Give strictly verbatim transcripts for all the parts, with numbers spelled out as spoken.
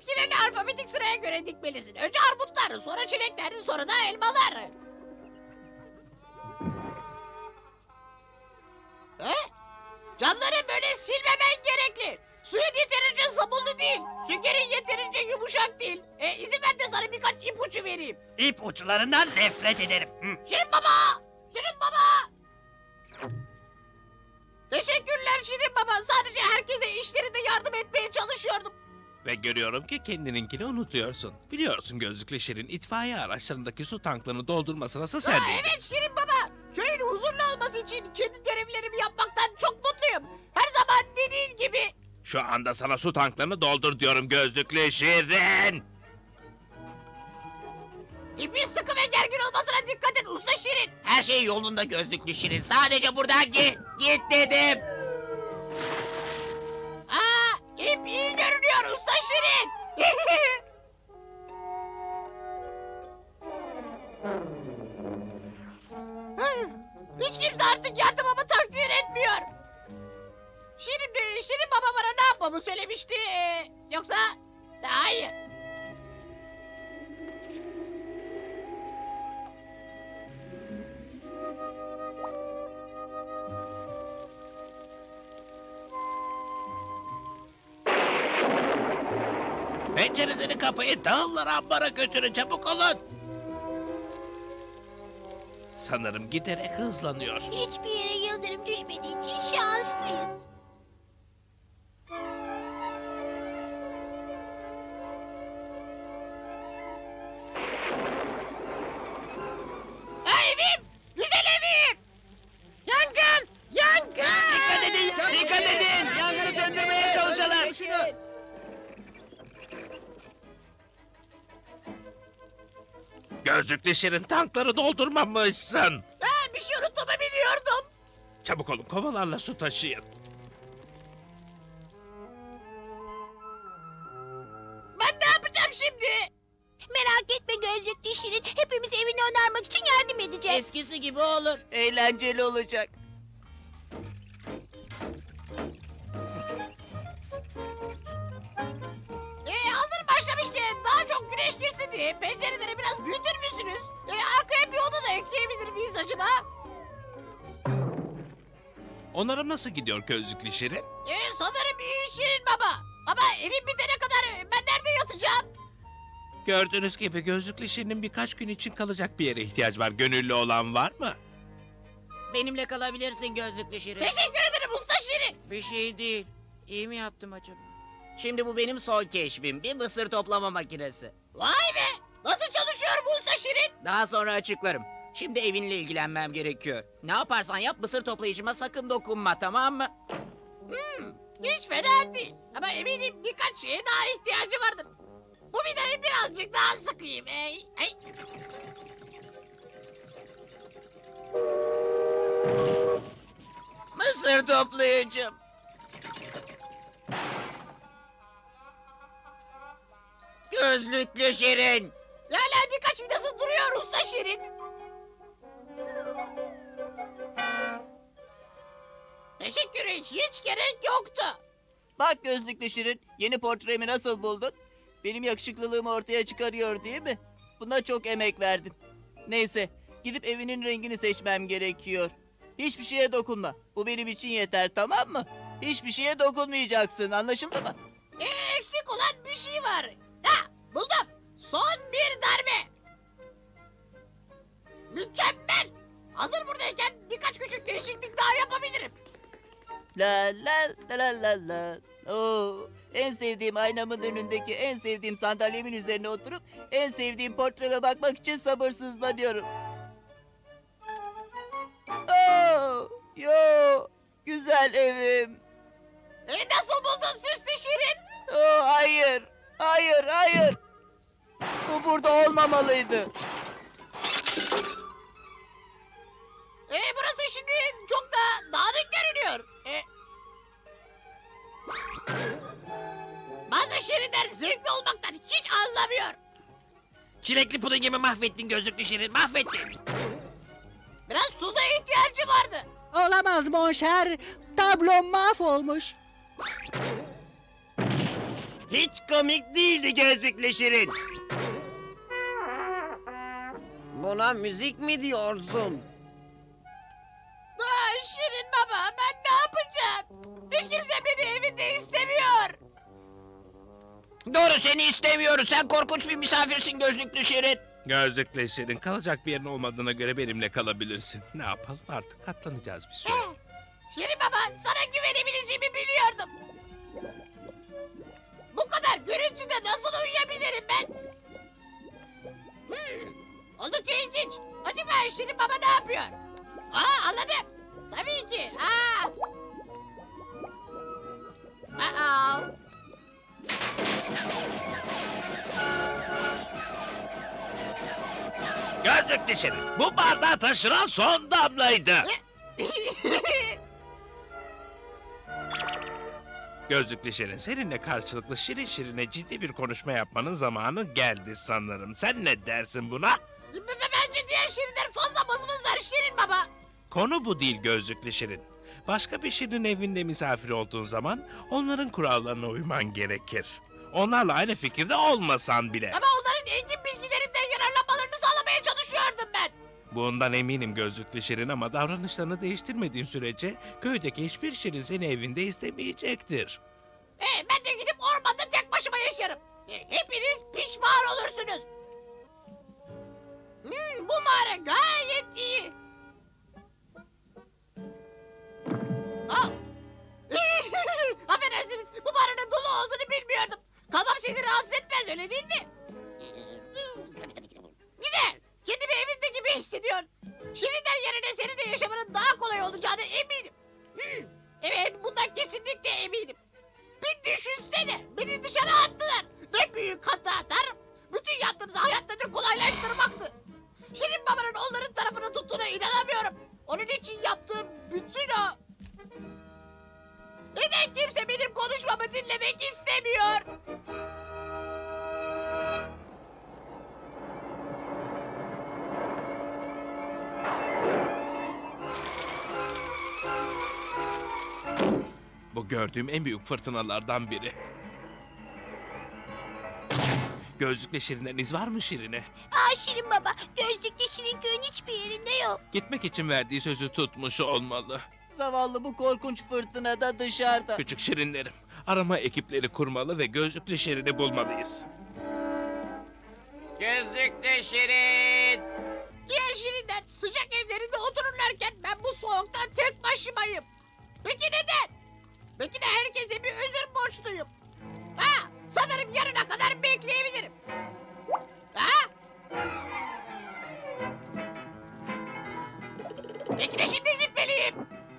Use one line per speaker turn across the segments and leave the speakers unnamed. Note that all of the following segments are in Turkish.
bitkilerini alfabetik sıraya göre dikmelisin. Önce armutlar, sonra çilekler, sonra da elmalar. He? Camları böyle silmemen gerekli. Suyun yeterince sabunlu değil. Süngerin yeterince yumuşak değil. E, izin ver de sana birkaç ipucu vereyim.
İp uçlarından nefret ederim. Hı.
Şirin baba! Şirin baba! Teşekkürler Şirin baba. Sadece herkese işlerinde yardım etmeye çalışıyordum.
Ve görüyorum ki kendininkini unutuyorsun. Biliyorsun gözlüklü Şirin itfaiye araçlarındaki su tanklarını doldurma sırası
Ha,
sendeydi.
evet Şirin baba. Köyün huzurlu olması için kendi görevlerimi yapmaktan çok mutluyum. Her zaman dediğin gibi.
Şu anda sana su tanklarını doldur diyorum gözlüklü Şirin.
İpin sıkı ve gergin olmasına dikkat et usta Şirin.
Her şey yolunda gözlüklü Şirin. Sadece buradan git. Git dedim.
Aa, ip iyi görünüyor usta Şirin. Hiç kimse artık yardımımı takdir etmiyor. Şirin, Şirin baba bana ne yapmamı söylemişti? Ee, Yoksa... Hayır.
Pencereleri kapayın, tahılları ambara götürün, çabuk olun. Sanırım giderek hızlanıyor.
Hiçbir yere yıldırım düşmediği için şanslıyız.
Ha, evim! Güzel evim! Yangın! Yangın!
Dikkat edin. Dikkat edin. Yangını söndürmeye çalışalım.
Gözlüklü Şirin tankları doldurmamışsın.
Ha, bir şey unuttuğumu biliyordum.
Çabuk olun, kovalarla su taşıyın.
Ben ne yapacağım şimdi?
Merak etme gözlüklü Şirin. Hepimiz evini onarmak için yardım edeceğiz.
Eskisi gibi olur. Eğlenceli olacak.
Ee, hazır başlamışken daha çok güneş girsin diye pencereleri biraz büyütür müsünüz? Ee, arkaya bir oda da ekleyebilir miyiz acaba?
Onarım nasıl gidiyor gözlüklü Şirin?
Ee, sanırım iyi Şirin baba. Ama evim bitene kadar ben nerede yatacağım?
Gördüğünüz gibi gözlüklü Şirin'in birkaç gün için kalacak bir yere ihtiyaç var. Gönüllü olan var mı?
Benimle kalabilirsin gözlüklü Şirin.
Teşekkür ederim usta Şirin.
Bir şey değil. İyi mi yaptım acaba? Şimdi bu benim son keşfim. Bir mısır toplama makinesi.
Vay be! Nasıl çalışıyor bu usta Şirin?
Daha sonra açıklarım. Şimdi evinle ilgilenmem gerekiyor. Ne yaparsan yap mısır toplayıcıma sakın dokunma, tamam mı?
Hmm, hiç fena değil. Ama eminim birkaç şeye daha ihtiyacı vardır. Bu vidayı birazcık daha sıkayım. Ey, ey.
Mısır toplayıcım. Gözlüklü Şirin.
Hala birkaç vidası duruyor usta Şirin. Teşekkür hiç gerek yoktu.
Bak gözlüklü Şirin, yeni portremi nasıl buldun? Benim yakışıklılığımı ortaya çıkarıyor değil mi? Buna çok emek verdin. Neyse, gidip evinin rengini seçmem gerekiyor. Hiçbir şeye dokunma. Bu benim için yeter, tamam mı? Hiçbir şeye dokunmayacaksın, anlaşıldı mı?
Ee, eksik olan bir şey var. Ha, buldum. Son bir darbe. Mükemmel. Hazır buradayken birkaç küçük değişiklik daha yapabilirim.
La la la la la la. Oo, en sevdiğim aynamın önündeki en sevdiğim sandalyemin üzerine oturup en sevdiğim portreme bakmak için sabırsızlanıyorum. Oo, yo, güzel evim.
E, nasıl buldun süslü Şirin?
Oo, hayır, hayır, hayır. Bu burada olmamalıydı.
E, burası şimdi çok da dağınık görünüyor. E, bazı Şirinler zevkli olmaktan hiç anlamıyor.
Çilekli pudingimi mahvettin gözlüklü Şirin, mahvettin.
Biraz tuza ihtiyacı vardı.
Olamaz monşer. Tablom mahvolmuş. Hiç komik değildi gözlüklü Şirin. Buna müzik mi diyorsun?
Aa, Şirin baba ben ne yapacağım? Hiç kimse beni evinde istemiyor.
Doğru, seni istemiyoruz. Sen korkunç bir misafirsin gözlüklü Şirin.
Gözlükle Şirin, kalacak bir yerin olmadığına göre benimle kalabilirsin. Ne yapalım, artık katlanacağız bir süre.
Şirin baba sana güvenebileceğimi biliyordum. Bu kadar gürültüde nasıl uyuyabilirim ben? Hmm, oldukça ilginç. Acaba Şirin baba ne yapıyor? Aa anladım. Tabii ki. Aa. Aa.
Gözlükle Şirin, bu bardağı taşıran son damlaydı. Gözlüklü Şirin, seninle karşılıklı şirin şirine ciddi bir konuşma yapmanın zamanı geldi sanırım. Sen ne dersin buna?
B- Bence diğer Şirinler fazla mızmızlar Şirin baba.
Konu bu değil Gözlüklü Şirin. Başka bir şirin evinde misafir olduğun zaman onların kurallarına uyman gerekir. Onlarla aynı fikirde olmasan bile.
Ama onların engin bilgilerinden yararlanmalarını sağlamaya çalışıyordum ben.
Bundan eminim Gözlüklü Şirin, ama davranışlarını değiştirmediğin sürece köydeki hiçbir şirin seni evinde istemeyecektir.
Ee, ben de gidip ormanda tek başıma yaşarım. Ee, hepiniz pişman olursunuz. Hmm, bu mağara gayet iyi. Aa. Affedersiniz, bu mağaranın dolu olduğunu bilmiyordum. Kalmam seni rahatsız etmez, öyle değil mi? Güzel, kendimi evimde gibi hissediyorum. Şirinler yerine seninle yaşamanın daha kolay olacağına eminim. Hmm, evet, bundan kesinlikle eminim. Bir düşünsene, beni dışarı attılar. Ne büyük hata atar. Bütün yaptığımız hayatlarını kolaylaştırmaktı. Şirin babanın onların tarafını tuttuğuna inanamıyorum. Onun için yaptığım bütün o... Neden kimse benim konuşmamı dinlemek istemiyor?
Bu gördüğüm en büyük fırtınalardan biri. Gözlüklü Şirin'den iz var mı Şirin'e?
Aa Şirin baba, gözlüklü Şirin köyün hiçbir yerinde yok.
Gitmek için verdiği sözü tutmuş olmalı.
Zavallı bu korkunç fırtınada dışarıda.
Küçük Şirinlerim, arama ekipleri kurmalı ve Gözlüklü Şirin'i bulmalıyız.
Gözlüklü Şirin.
Diğer Şirinler sıcak evlerinde otururlarken ben bu soğukta tek başımayım. Peki neden? Belki de herkese bir özür borçluyum. Ha, sanırım yarına kadar bekleyebilirim. Ha? Belki de şimdi gitmeliyim.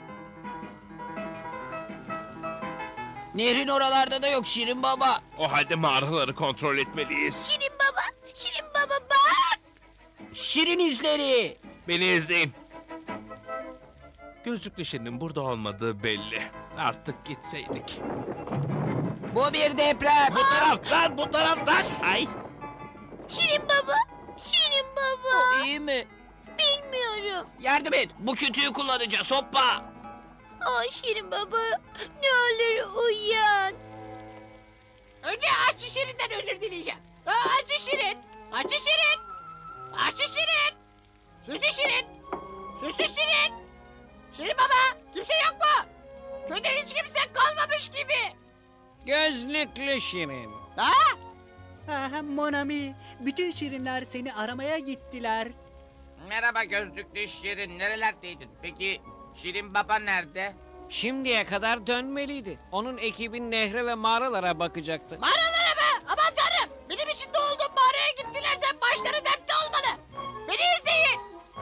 Nehrin oralarda da yok Şirin baba.
O halde mağaraları kontrol etmeliyiz.
Şirin baba, Şirin baba bak.
Şirin izleri.
Beni izleyin. Gözlüklü Şirin'in burada olmadığı belli. Artık gitseydik.
Bu bir deprem.
Bu taraftan, bu taraftan. Ay.
Şirin baba, Şirin baba.
O iyi mi?
Bilmiyorum.
Yardım et. Bu kütüğü kullanacağız. Hoppa.
Aa Şirin baba, ne olur uyan.
Önce Açı Şirin'den özür dileyeceğim. Ha, Açı Şirin, Açı Şirin, Açı Şirin, Süslü Şirin, Süslü Şirin. Şirin baba, kimse yok mu? Köyde hiç kimse kalmamış gibi.
Gözlüklü Şirin.
Ha?
Aha, Monami, bütün şirinler seni aramaya gittiler.
Merhaba gözlüklü Şirin. Nerelerdeydin? Peki Şirin baba nerede?
Şimdiye kadar dönmeliydi. Onun ekibi nehre ve mağaralara bakacaktı.
Mağaralara mı? Aman tanrım, benim içinde olduğum mağaraya gittilerse başları dertte olmalı. Beni izleyin.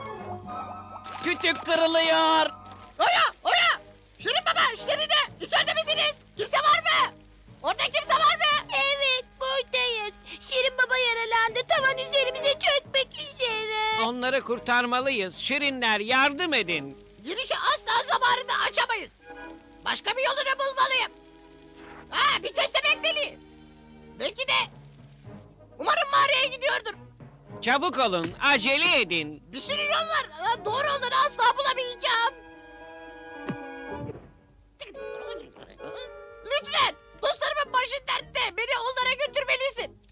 Kütük kırılıyor.
Oya, oya. Şirin baba, Şirin'e içeride misiniz? Kimse var mı? Orada kimse var mı?
Evet, buradayız. Şirin baba yaralandı, tavan üzerimize çökmek üzere.
Onları kurtarmalıyız. Şirinler yardım edin.
Girişi asla zamanında açamayız. Başka bir yolunu bulmalıyım. Ha, bir köstebek deliği. Belki de... Umarım mağaraya gidiyordur.
Çabuk olun, acele edin.
Bir sürü yol var. Ha, doğru olanı asla bulamayacağım. Lütfen. Dostlarımın başı dertte. nerede? Beni onlara götürmelisin.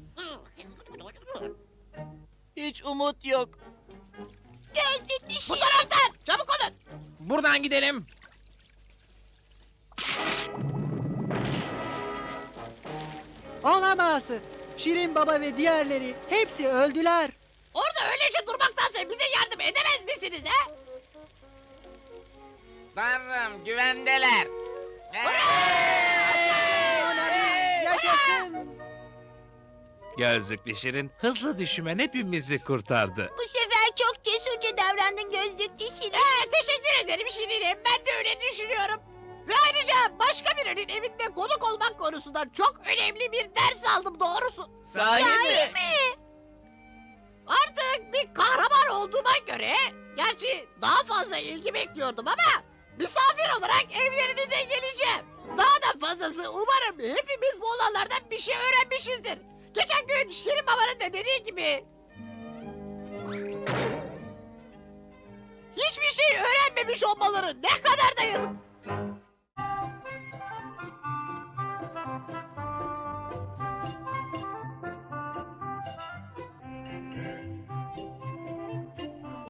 Hiç umut yok.
Gözlüklü
Bu
Şirin.
taraftan. Çabuk olun.
Buradan gidelim.
Olamaz. Şirin Baba ve diğerleri hepsi öldüler.
Orada öylece durmaktansa bize yardım edemez misiniz he?
Tanrım güvendeler.
Monami yaşasın.
Gözlüklü Şirin hızlı düşmen hepimizi kurtardı.
Bu sefer çok cesurca davrandın Gözlüklü Şirin.
Ee, teşekkür ederim Şirinim. Ben de öyle düşünüyorum. Ve ayrıca başka birinin evinde konuk olmak konusundan çok önemli bir ders aldım doğrusu.
Sahi mi?
mi?
Artık bir kahraman olduğuma göre, gerçi daha fazla ilgi bekliyordum ama misafir olarak evlerinize geleceğim. Daha da fazlası umarım hepimiz bu olanlardan bir şey öğrenmişizdir. Geçen gün Şirin Baba'nın da dediği gibi hiçbir şey öğrenmemiş olmaları ne kadar da yazık.